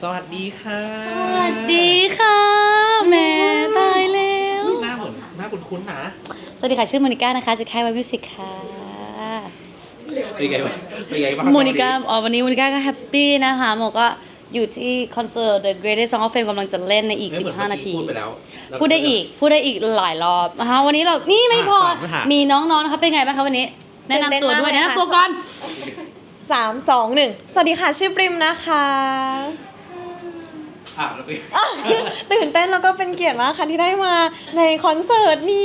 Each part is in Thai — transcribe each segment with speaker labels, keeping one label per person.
Speaker 1: สวัสดีค่ะ
Speaker 2: สวัสดีค่ะแม่ตายแล้ว
Speaker 1: หน้าเหมือนหน้าคุ้นๆนะ
Speaker 2: สวัสดีค่ะชื่อโมนิก้านะคะจากค่ายไวมิวสิกค่ะ
Speaker 1: เป็นไงบ้างเป็นไงบ้าง
Speaker 2: โมนิก้าวันนี้โมนิก้าก็แฮปปี้นะคะโมก็อยู่ที่คอนเสิร์ต The Greatest Song of Fame กำลังจะเล่นในอีก15 นาที
Speaker 1: พูดไปแล้ว
Speaker 2: พูดได้อีกหลายรอบนะคะวันนี้เรานี่ไม่พอ มีน้องๆนะคะเป็นไงบ้างคะวันนี้แนะนำตัวด้วยแนะนำตัวก่อน
Speaker 3: 3 2 1 สวัสดีค่ะชื่อปริมนะคะ
Speaker 1: แล้วไป
Speaker 3: ตื่นเต้นแล้วก็เป็นเกียรติมากค่ะที่ได้มาในคอนเสิร์ตนี้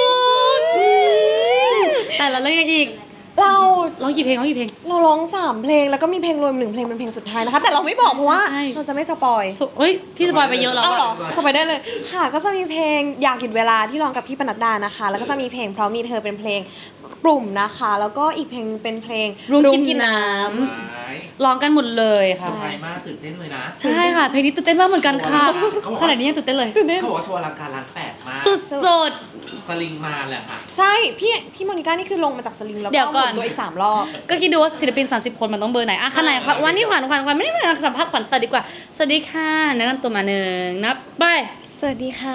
Speaker 2: แต่ละเรื่องอีก
Speaker 3: เรา
Speaker 2: ร้องกี่เพลง
Speaker 3: เราร้อง3เพลงแล้วก็มีเพลงรวม1เพลงเป็นเพลงสุดท้ายนะคะ แต่เราไม่บอกเพราะว่า
Speaker 2: ใช่
Speaker 3: เราจะไม่สปอย
Speaker 2: เฮ้ยที่สปอยไปเยอะแล้ว
Speaker 3: เอ้าเหรอ
Speaker 2: อะ
Speaker 3: สปอยได้เลยค่ะก็จะมีเพลงอยากหยุดเวลาที่ร้องกับพี่ปนัดดานะคะ แล้วก็จะมีเพลงเพราะมีเธอเป็นเพลงกลุ่มนะคะ แล้วก็อีกเพลงเป็นเพลง
Speaker 2: รุ้งกินน้
Speaker 1: ไม้
Speaker 2: ร้องกันหมดเลย
Speaker 1: เซอ
Speaker 2: ค่ะ
Speaker 1: ร์ไพรส์มากตื่นเต้นเลยนะ
Speaker 2: ใช่ค่ะเพลงนี้ตื่นเต้นมากเหมือนกันค่ะขนาดนี้ยังตื่นเต้นเลย
Speaker 1: เขาบอกว่าโชว์อลังการล้านแปดมาก
Speaker 2: สุด
Speaker 1: สลิงมาแหละค่ะ
Speaker 3: ใช่พี่โมนิก้านี่คือลงมาจากสลิงแล้ว
Speaker 2: เดี๋
Speaker 3: ก็
Speaker 2: ยว
Speaker 3: ห
Speaker 2: ก่
Speaker 3: มุ
Speaker 2: อน
Speaker 3: นตัวอีก3รอบ
Speaker 2: ๆก็คิดดูว่าศิลปิน30 คนมันต้องเบอร์ไหนอ่ะขนาดวันนี้ขวัญไม่ได้มาสัมภาษณ์ขวัญแต่ดีกว่าสวัสดีค่ะแนะนำตัวมาหนึ่งนับไป
Speaker 3: สวัสดีค่ะ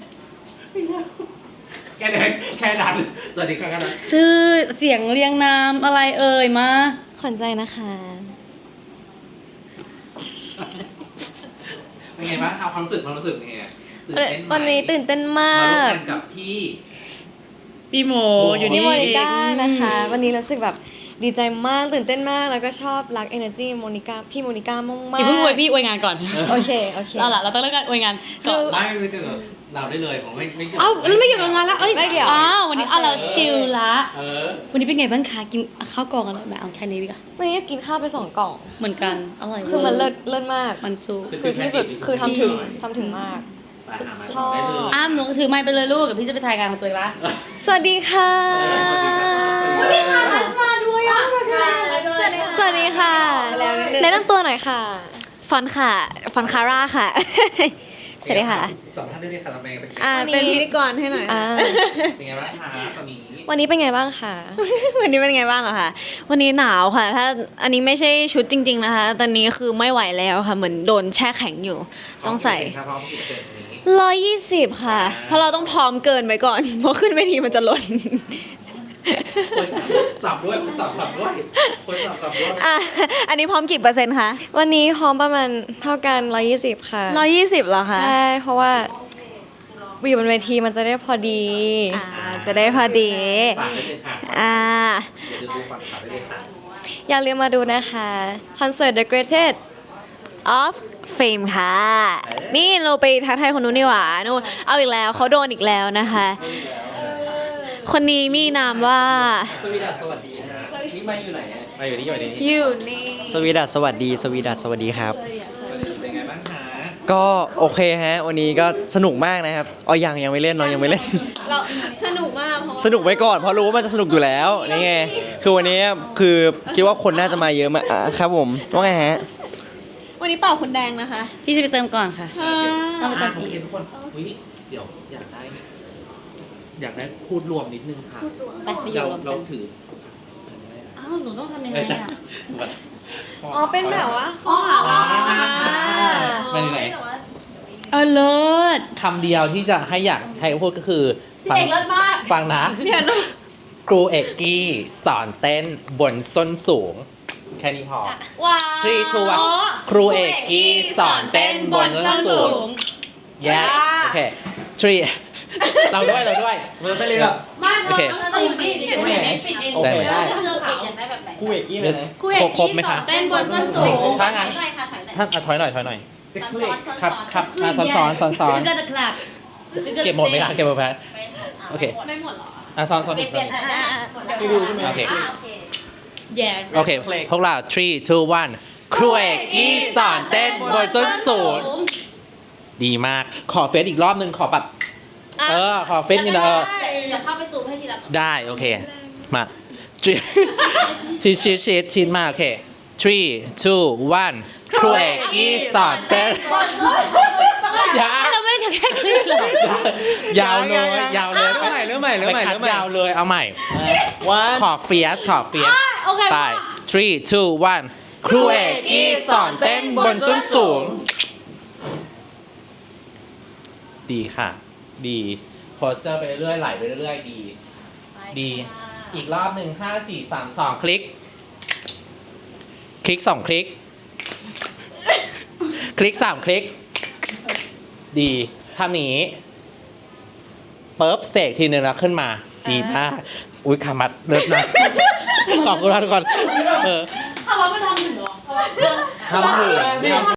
Speaker 1: แค่นั้นสวัสดีค่ะกันนะ
Speaker 2: ชื่อเสียงเรียงนามอะไรเอ่ยมา
Speaker 3: ขวัญใจนะคะ
Speaker 1: เป็นไงบ้างความรู้สึกเป็นไงตื่นเต้นไหม
Speaker 3: วันนี้ตื่นเต้นมาม
Speaker 1: ร่วม
Speaker 3: ก
Speaker 1: กันกับพี่
Speaker 2: พี่โมอยู่
Speaker 3: พี่
Speaker 2: นี่
Speaker 3: โมนิก้านะคะ วันนี้รู้สึกแบบดีใจมากตื่นเต้นมากแล้วก็ชอบรัก energy โมนิก้าพี่โมนิก้ามากมาก
Speaker 2: อย่าเพิ่งอวยพี่อวยงานก่อน
Speaker 3: โอเค
Speaker 2: เอาล่ะเราต้องเริ่มกันอวยงานก่อน
Speaker 1: ไม่เกิดเราได้เลยผมไม่เกี่ยว
Speaker 2: เอ้าแล้วไม่อยู่กับงานแล้วเอ้ย
Speaker 3: ไม่เกี่ยว
Speaker 2: อ้าววันนี้เราชิลละ
Speaker 1: อ
Speaker 2: วันนี้เป็นไงบ้างคะกินข้าวกล่องอะไรไหมเอาแค่นี้ดีกว่า
Speaker 3: วันนี้กินข้าวไป2 กล่อง
Speaker 2: เหมือนกันอร่อย
Speaker 3: คือมันเลิศมาก
Speaker 2: มันจู
Speaker 3: คือที่สุดคือทำถึงมาก ชอบ
Speaker 2: อ้ามหนูก็ถือไม้ไปเลยลูกเดี๋ยวพี่จะไปถ่ายงานของตัวเองละ
Speaker 3: สวัสดีค่ะ
Speaker 2: ทัสมาด้วยอ่ะ
Speaker 3: สวัสดีค่ะแนะนำตัวหน่อยค่ะ
Speaker 4: ฟอนค่ะ ฟอนคาร่าค่ะ สวัสดีค่ะ
Speaker 1: สองท่านได้เรียกคาราเมลเป็นไง
Speaker 3: เป็นพิธีกรให้หน่อย
Speaker 1: เป็นไงบ้างคะตอนนี้
Speaker 3: วันนี้เป็นไงบ้างคะ
Speaker 4: วันนี้เป็นไงบ้างเหรอคะ วันนี้หนาวค่ะ ถ้าอันนี้ไม่ใช่ชุดจริง ๆนะคะ ตอนนี้คือไม่ไหวแล้วค่ะ เหมือนโดนแช่แข็งอยู่ ต้องใส่
Speaker 1: พร้อมกี่เปอร์เซ็นต์นี้
Speaker 4: 120 ค่ะ เพราะเราต้องพร้อมเกินไปก่อน เพราะขึ้นเวทีมันจะหล่น
Speaker 1: สับด้วยสับด้วยคนสับด้วย
Speaker 4: อ่ะ อันนี้พร้อมกี่เปอร์เซ็นต์คะ
Speaker 3: วันนี้พร้อมประมาณเท่ากัน120ค่ะ
Speaker 4: 120เหรอคะ
Speaker 3: ใช่เพราะว่าอยู่บนเวทีมันจะได้พอดี
Speaker 4: จะได้พอดี
Speaker 1: ฝากได้เลยค่ะ
Speaker 4: อ่า
Speaker 1: อย่าลืมดูฝากได้เลยค่ะ
Speaker 3: อย่าลืมมาดูนะคะคอนเสิร์ต The Greatest
Speaker 4: of Fame ค่ะ นี่เราไปทักทายคนนู้นนี่หว่านู่นเอาอีกแล้วเขาโดนอีกแล้วนะคะ คนนี้มีนามว่า
Speaker 5: สวีดัสสวัสดีฮะนี่มาอยู่ไหนฮะ
Speaker 1: ไปอยู่นี่อยู่นี่
Speaker 4: อยู่นี่
Speaker 5: สวีดัสสวัสดีสวีดัสสวัสดีครับ
Speaker 1: เป็นไงบ้างคะ
Speaker 5: ก็โอเคฮะ วันนี้ก็สนุกมากนะครับยังไม่เล่นยังไม่เล่น
Speaker 4: เราสนุกมากเพราะ
Speaker 5: สนุกไว้ก่อนเพราะรู้ว่ามันจะสนุกอยู่แล้วนี่ไงคือวันนี้คือคิดว่าคนน่าจะมาเยอะมากครับผมว่าไงฮะ
Speaker 4: วันนี้เป่าคุณแดงนะคะ
Speaker 2: พี่จะไปเติมก่อนค่ะต้องไปเติม
Speaker 1: โอ
Speaker 2: อีก
Speaker 1: เคทุกคนอุ้ยเดี๋ยวอยากได้พูดรวมนิดนึงค่ะ
Speaker 2: ไปอยู่รวม
Speaker 1: เรา
Speaker 2: กัน
Speaker 1: ถือ
Speaker 2: อ้าวหนูต้องทำยังไง
Speaker 1: ไม่ใช่
Speaker 2: อ่ะ
Speaker 3: อ๋อเป็นแบบว่า
Speaker 2: อ๋อ
Speaker 1: ไม่ไหน
Speaker 2: เลิศ
Speaker 1: คำเดียวที่จะให้อยากให้พูดก็คือ
Speaker 2: พี่เอกเลิศมาก
Speaker 1: ฟังนะครูเอกกี้สอนเต้นบนส้นสูง แค่นี้พอ
Speaker 2: ว้าว
Speaker 1: 3 2 1ครูเอกกี้สอนเต้นบนส้นสูง yes โอเค 3 เราด้วยเราเต้นเลยแบบ
Speaker 2: ไม่
Speaker 1: โอเค
Speaker 2: เราจะอยู่ปิดเองปิดเอง
Speaker 1: ได้ไหม
Speaker 2: เสื้อปิดอยากได้แบบไหน
Speaker 5: คู่เอกกี้เลยนะ
Speaker 2: คู่เอก
Speaker 1: ครบ
Speaker 2: ที่
Speaker 1: ไหม
Speaker 2: สอ
Speaker 1: คะ
Speaker 2: นเต้นบนส้นสูง
Speaker 1: ถ้างั้น
Speaker 2: ใช่ค่ะถอย
Speaker 1: ท่านถอยหน่อย ครับซ้อน
Speaker 2: ก็จะคลับ
Speaker 1: เก็บหมดไหมคะเก็บหมดไหมโอเค
Speaker 2: ไม่หมดหรอ
Speaker 1: ซ้อน
Speaker 2: เปลี่ยนได้
Speaker 5: พี่ดูใช่ไหม
Speaker 1: โอเค
Speaker 2: yes
Speaker 1: โอเค พวกเรา 3 2 1ครูเอกกี้สอนเต้นบนส้นสูง ดีมาก ขอเฟซอีกรอบนึง ขอแบบขอเฟซนี่นะ
Speaker 2: เดี๋ยวเข้าไปซูมให้ทีละ
Speaker 1: ได้ โอเค มาชีดมาโอเค 3 2 1ครูเอกกี้สอนเต้น
Speaker 2: เราไม่ได้จะแค่คลิปหรอย
Speaker 1: าวเลย
Speaker 5: เริ่มใหม่
Speaker 1: ไปคัดยาวเลย เอาใหม่
Speaker 5: วัน
Speaker 1: ขอเฟียส
Speaker 2: โอเค
Speaker 1: ไป 3 2 1ครูเอกกี้สอนเต้นบนส้นสูงดีค่ะ ดีโพสเจอร์ไปเรื่อยๆไหลไปเรื่อยๆดี ดี อีกรอบหนึ่ง5 4 3 2 คลิก คลิก 2 คลิก คลิก 3 คลิก ดีทำอย่างนี้ปุ๊บเสกทีนึงแล้วขึ้นมา ดีมาก อุ้ยขามัดเลิศนะ ขอบคุณทุกคน
Speaker 2: ทำว่าไม่ทำหนึ่งเหรอ
Speaker 1: ทำหนึ่ง